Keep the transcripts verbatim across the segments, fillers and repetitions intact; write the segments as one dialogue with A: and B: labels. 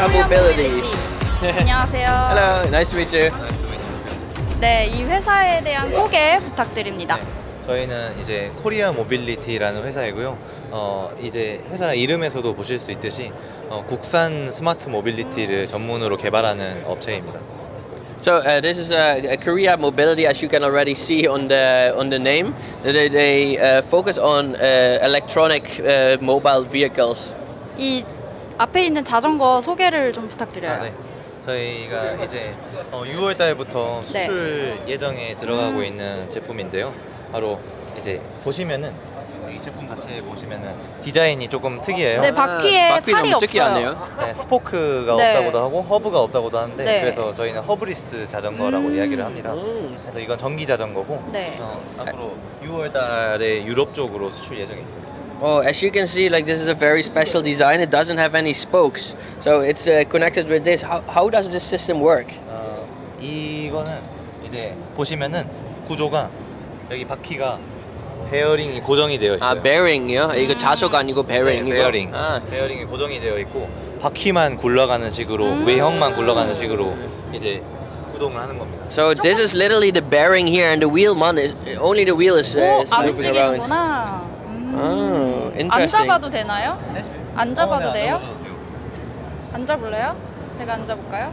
A: Korea Mobility.
B: 안녕하세요.
A: Hello, nice to meet you.
B: 네, 이 회사에 대한 소개 부탁드립니다.
C: 네, 저희는 이제 코리아 모빌리티라는 회사이고요. 어, 이제 회사 이름에서도 보실 수 있듯이 어, 국산 스마트 모빌리티를 전문으로 개발하는 업체입니다.
A: So uh, this is uh, Korea Mobility, as you can already see on the on the name. They, they uh, focus on uh, electronic uh, mobile vehicles.
B: 이 앞에 있는 자전거 소개를 좀 부탁드려요.
C: 아, 네. 저희가 이제 어, 유월 달부터 수출 예정에 들어가고
B: 음.
C: 있는 제품인데요. 바로 이제 보시면은 이 제품 자체에 보시면은 디자인이 조금 특이해요.
B: 네, 바퀴에
A: 바퀴
B: 살이
A: 너무 특이하네요.
B: 없어요.
C: 네, 스포크가
B: 네.
C: 없다고도 하고 허브가 없다고도 하는데
B: 네.
C: 그래서 저희는 허브리스 자전거라고
B: 음.
C: 이야기를 합니다.
A: 음.
C: 그래서 이건 전기 자전거고
B: 네.
C: 어, 앞으로 유월 달에 유럽 쪽으로 수출 예정이 있습니다.
A: Oh, as you can see, like this is a very special design. It doesn't have any spokes, so it's uh, connected with this. How how does this system work?
C: 어, 이거는 이제 보시면은 구조가 여기 바퀴가 베어링이 고정이 되어 있어요.
A: 아, bearing이요? 이거 자석 아니고 bearing.
C: 네,
A: 이거?
C: 베어링.
A: 아,
C: 베어링이 고정이 되어 있고 바퀴만 굴러가는 식으로
B: 음.
C: 외형만 굴러가는 식으로 이제 구동을 하는 겁니다.
A: so this is literally the bearing here, and the wheel man is only the wheel is, uh,
B: 오,
A: is
B: 안
A: moving around.
B: 움직이는구나. 음.
A: Oh,
B: 안
A: interesting.
B: 잡아도 되나요?
C: 네?
B: 안 잡아도
C: 어, 네,
B: 돼요?
C: 안 잡아도 돼요.
B: 앉아볼래요? 제가 앉아볼까요?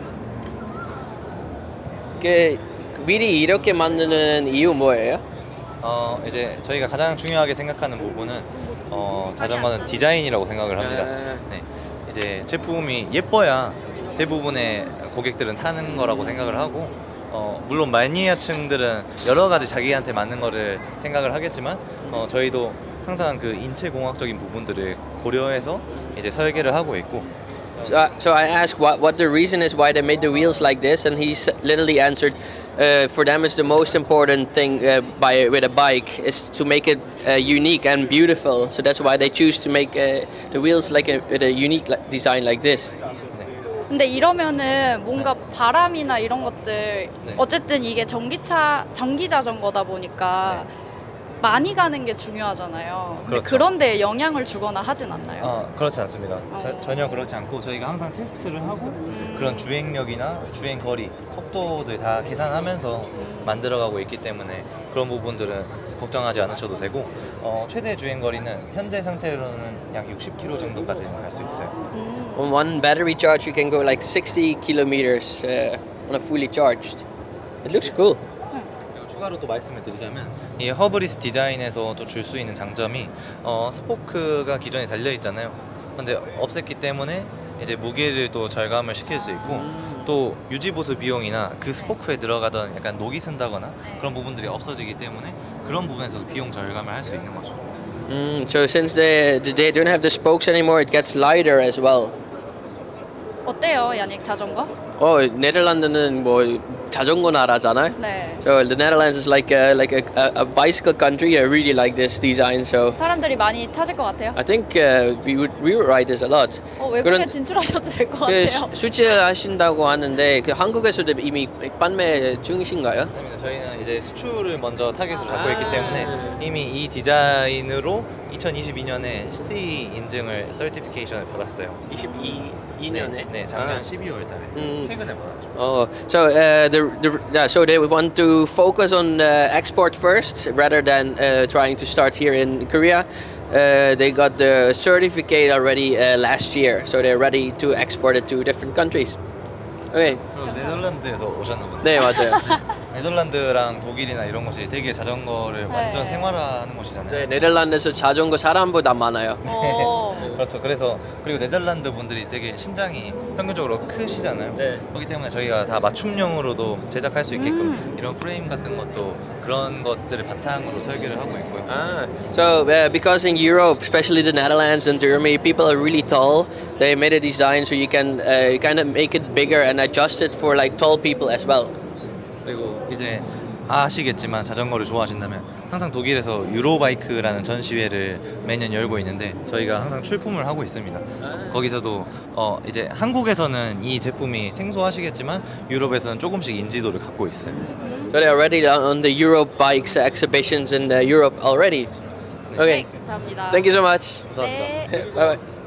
A: 그 미리 이렇게 만드는 이유 뭐예요?
C: 어 이제 저희가 가장 중요하게 생각하는 부분은 어 자전거는 디자인이라고 생각을 합니다.
A: 아.
C: 네, 이제 제품이 예뻐야 대부분의 고객들은 타는 거라고 생각을 하고 어 물론 마니아층들은 여러 가지 자기한테 맞는 거를 생각을 하겠지만 어 저희도 항상 그 인체 공학적인 부분들을 고려해서 이제 설계를 하고 있고
A: So, uh, so I asked what what the reason is why they made the wheels like this, and he s- literally answered, uh, for them it's the most important thing uh, by with a bike is to make it uh, unique and beautiful. So that's why they choose to make uh, the wheels like a, with a unique li- design like this.
B: 근데 이러면은 뭔가 바람이나 이런 것들
C: 네.
B: 어쨌든 이게 전기차 전기 자전거다 보니까 많이 가는 게 중요하잖아요. 근데
C: 그렇죠.
B: 그런데 영향을 주거나 하진 않나요?
C: 어, 그렇지 않습니다.
B: 어.
C: 자- 전혀 그렇지 않고 저희가 항상 테스트를 하고 그런 주행력이나 주행 거리, 속도들 다 계산하면서 만들어가고 있기 때문에 그런 부분들은 걱정하지 않으셔도 되고 어, 최대 주행 거리는 현재 상태로는 약 육십 킬로미터 정도까지 갈 수 있어요.
A: On one battery charge, you can go like sixty kilometers uh, on a fully charged. It looks cool.
C: 그리고 추가로 또 말씀을 드리자면 이 허브리스 디자인에서 또 줄 수 있는 장점이 어, 스포크가 기존에 달려 있잖아요. 근데 없앴기 때문에 이제 무게를 또 절감을 시킬 수 있고 또 유지 보수 비용이나 그 스포크에 들어가던 약간 녹이 쓴다거나 그런 부분들이 없어지기 때문에 그런 부분에서도 비용 절감을 할 수 있는 거죠.
A: Mm, so since they they don't have the spokes anymore, it gets lighter as well.
B: 어때요, 야닉 자전거?
A: 어, 네덜란드는 뭐 자전거 나라잖아요.
B: 네.
A: So the Netherlands is like a, like a, a, a bicycle country. I really like this design. So
B: 사람들이 많이 찾을 것 같아요.
A: I think uh, we would we would ride this a lot.
B: 어, 외국에
A: 그런-
B: 진출하셔도 될 것
A: 그
B: 같아요.
A: 수- 수출하신다고 하는데 그 한국에서도 이미 판매 중이신가요?
C: 아닙니다. 저희는 이제 수출을 먼저 타겟으로 잡고
A: 아.
C: 있기 때문에 이미 이 디자인으로 이천이십이 년에 씨이 인증을 서티피케이션을 받았어요.
A: 이십이
C: 네,
A: 년에.
C: 네, 작년
A: 아.
C: 십이월 달에
A: 음.
C: 최근에 받았죠.
A: Oh, so uh, the, the yeah, so they want to focus on uh, export first rather than uh, trying to start here in Korea. Uh, they got the certificate already uh, last year, so they're ready to export it to different countries. Okay.
C: 그럼 네덜란드에서 오셨나 보네.
A: 네, 맞아요.
C: 네덜란드랑 독일이나 이런 곳이 되게 자전거를 완전
B: 네.
C: 생활화하는 곳이잖아요.
A: 네, 네덜란드에서 자전거 사람보다 많아요.
B: 어.
C: 그렇죠. 그래서 그리고 네덜란드 분들이 되게 신장이 평균적으로 크시잖아요.
A: 네.
C: 그렇기 때문에 저희가 다 맞춤형으로도 제작할 수 있게끔
B: 음.
C: 이런 프레임 같은 것도 그런 것들을 바탕으로 설계를 하고 있고요.
A: Ah, so uh, because in Europe, especially the Netherlands and Germany, people are really tall. They made a design so you can uh, kind of make it bigger and adjust it for like tall people as well.
C: 그리고 이제 아시겠지만 자전거를 좋아하신다면 항상 독일에서 유로바이크라는 전시회를 매년 열고 있는데 저희가 항상 출품을 하고 있습니다. 거기서도 어 이제 한국에서는 이 제품이 생소하시겠지만 유럽에서는 조금씩 인지도를 갖고 있어요.
A: So they're already on the Europe bikes exhibitions in uh, Europe already.
B: 네,
A: Okay,
B: 감사합니다.
A: thank you so much.
C: 감사합니다.
B: 네.
A: Bye bye.